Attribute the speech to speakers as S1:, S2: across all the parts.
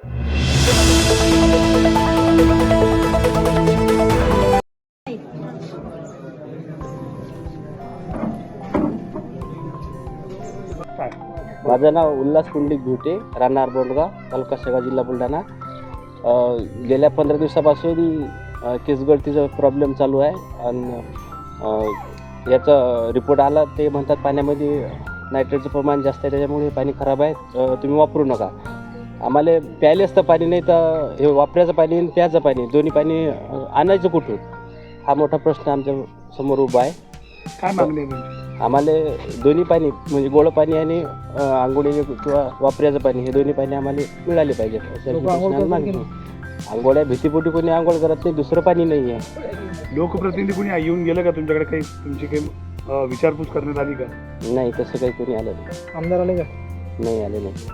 S1: माझं नाव उल्हास पुंडलिक घुटे, राहणार बोंडगाव, तालुका शेगाव, जिल्हा बुलढाणा. गेल्या 15 दिवसापासून केस गळतीचा प्रॉब्लेम चालू आहे आणि याचा रिपोर्ट आला. ते म्हणतात पाण्यामध्ये नायट्रेटचं प्रमाण जास्त आहे, त्याच्यामुळे पाणी खराब आहे, तुम्ही वापरू नका. आम्हाला प्यायलेच तर पाणी नाही, तर हे वापरायचं पाणी आणि प्यायचं पाणी दोन्ही पाणी आणायचं कुठून, हा मोठा प्रश्न आमच्या समोर उभा आहे.
S2: काय मागणी आहे तुमची?
S1: आम्हाला दोन्ही पाणी म्हणजे गोड पाणी आणि आंघोळीचे किंवा वापरायचं पाणी हे दोन्ही पाणी आम्हाला मिळाले पाहिजे. आंघोळ्या भीतीपोटी कोणी आंघोळ करत नाही, दुसरं पाणी नाही आहे.
S2: लोकप्रतिनिधी कोणी येऊन गेलं का तुमच्याकडे? काही तुमची काही विचारपूस करण्यात आली का?
S1: नाही, तसं काही कोणी आलं नाही.
S2: आमदार आले का?
S1: नाही आले नाही.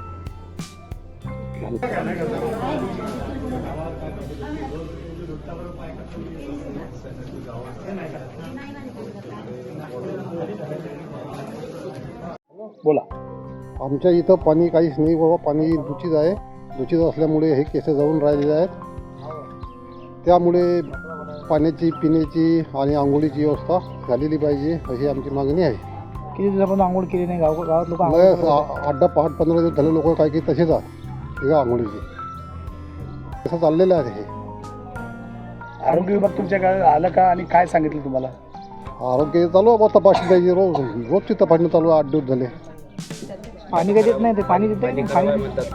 S2: बोला.
S3: आमच्या इथं पाणी काहीच नाही बाबा, पाणी दूषित आहे. दूषित असल्यामुळे हे केस जाऊन राहिलेले आहेत. त्यामुळे पाण्याची, पिण्याची आणि आंघोळीची व्यवस्था झालेली पाहिजे अशी आमची मागणी आहे.
S2: किती दिवसापासून आंघोळ केली नाही गावात लोक?
S3: 8-15 दिवस झाले लोक काही तसेच आहेत हे आंघोळीचे. असं चाललेलं आहे हे.
S2: आरोग्य विभाग तुमच्याकडे आलं का आणि काय सांगितलं तुम्हाला?
S3: आरोग्य चालू आहे बा, तपासणी पाहिजे. रोजची तपासणी चालू आहे. 8 दिवस झाले.
S2: पाणी काही देत नाही ते? पाणी देते
S3: हां,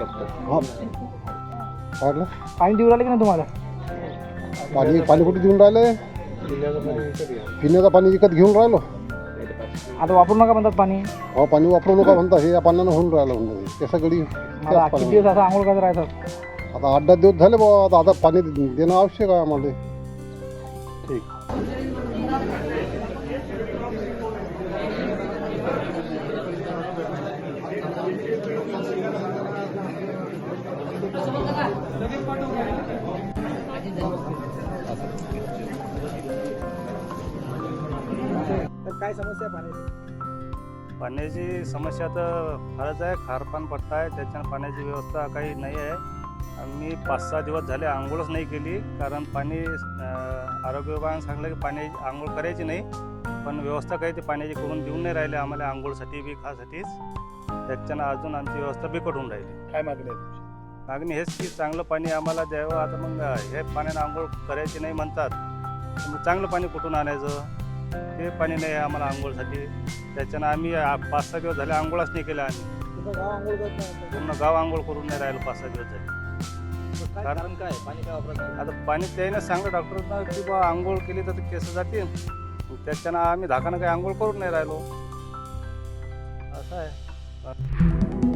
S2: पाणी देऊ राहिले की नाही तुम्हाला?
S3: पाणी कुठे देऊन राहिले? पिण्याचं पाणी विकत घेऊन राहिलो.
S2: आता वापरू नका म्हणतात पाणी.
S3: हो, पाणी वापरू नका म्हणतात. हे या पाण्यानं होऊन राहिलं म्हणजे ते सगळी.
S2: किती दिवस असं आंघोळ करत राहतात?
S3: आता 8-10 दिवस झाले बाबा. आता पाणी देणं आवश्यक आहे आम्हाला.
S2: ठीक. तर काय समस्या आहे पाण्याची?
S4: पाण्याची समस्या तर फारच आहे. खारपान पट्टा आहे, त्याच्यानं पाण्याची व्यवस्था काही नाही आहे. आम्ही 5-6 दिवस झाले आंघोळच नाही केली, कारण पाणी आरोग्य विभागाने सांगलं की पाणी आंघोळ करायची नाही, पण व्यवस्था काही ते पाण्याची करून देऊन नाही राहिले आम्हाला आंघोळसाठी बी खासाठीच. त्याच्यानं अजून आमची व्यवस्था बिकट होऊन राहिली.
S2: काय मागणी आहे तुमची?
S4: मागणी हेच की चांगलं पाणी आम्हाला द्यावं. आता मग हे पाण्यानं आंघोळ करायची नाही म्हणतात, मग चांगलं पाणी कुठून आणायचं? ते पाणी नाही आहे आम्हाला आंघोळसाठी. त्याच्यानं आम्ही 5-6 दिवस झाले आंघोळच नाही केलं. आम्ही पूर्ण गाव आंघोळ करून नाही राहिलो 5-6 दिवस झाले. कारण काय पाणी काय वापरायचं? आता पाणी त्याने सांगलं डॉक्टरना की बा आंघोळ केली तर ते केस जातील, त्याच्यानं आम्ही धाकानं काही आंघोळ करून नाही राहिलो. असं आहे.